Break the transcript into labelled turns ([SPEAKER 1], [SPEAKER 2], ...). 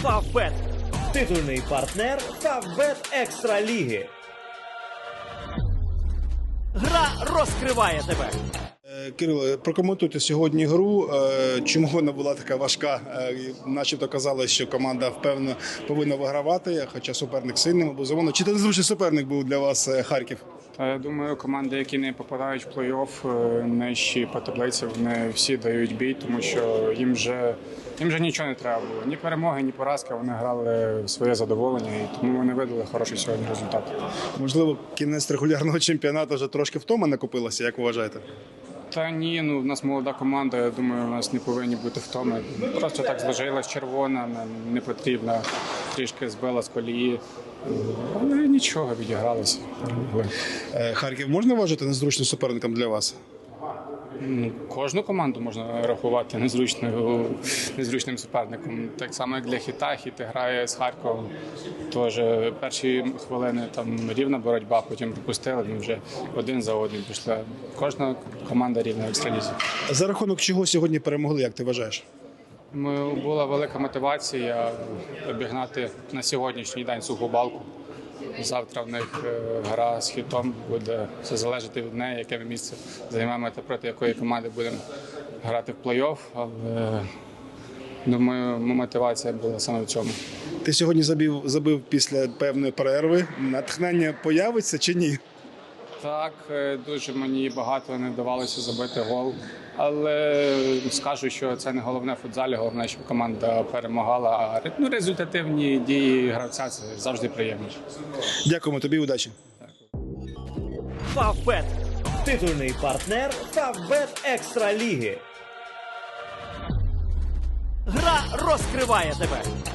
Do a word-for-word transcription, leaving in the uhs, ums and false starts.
[SPEAKER 1] Фавбет – титульний партнер Фавбет Екстра Ліги. Гра розкриває тебе.
[SPEAKER 2] Кирило, прокоментуйте сьогодні гру. Чому вона була така важка? Начебто казали, що команда впевнено повинна вигравати, хоча суперник сильним, безумовно. Чи це незвичний суперник був для вас Харків?
[SPEAKER 3] Я думаю, команди, які не попадають в плей-офф, нижчі по таблиці, вони всі дають бій, тому що їм вже, їм вже нічого не треба було. Ні перемоги, ні поразки, вони грали в своє задоволення, і тому вони видали хороший сьогодні результат.
[SPEAKER 2] Можливо, кінець регулярного чемпіонату вже трошки втома накопилася, як вважаєте?
[SPEAKER 3] Та ні, ну в нас молода команда, я думаю, у нас не повинні бути втоми. Просто так зложилась червона, не потрібна, трішки збила з колії. Але нічого, відігралися.
[SPEAKER 2] Харків можна вважати незручним суперником для вас?
[SPEAKER 3] Ну, кожну команду можна рахувати незручною, незручним суперником. Так само, як для Хіта. Хіт грає з Харковом. Тож перші хвилини там рівна боротьба, потім пропустили, ми вже один за одним пішли. Кожна команда рівна в екстралізі.
[SPEAKER 2] За рахунок чого сьогодні перемогли, як ти вважаєш?
[SPEAKER 3] Була велика мотивація обігнати на сьогоднішній день Суху Балку. Завтра в них гра з Хітом, буде все залежати від неї, яке ми місце займемо та проти якої команди будемо грати в плей-офф. Але, думаю, мотивація була саме в цьому.
[SPEAKER 2] Ти сьогодні забив, забив після певної перерви. Натхнення появиться чи ні?
[SPEAKER 3] Так, дуже мені багато не вдавалося забити гол. Але скажу, що це не головне в футзалі, головне, щоб команда перемагала. А ну, результативні дії гравця – це завжди приємно.
[SPEAKER 2] Дякуємо тобі, удачі.
[SPEAKER 1] Фавбет – титульний партнер Фавбет Екстра Ліги. Гра розкриває тебе.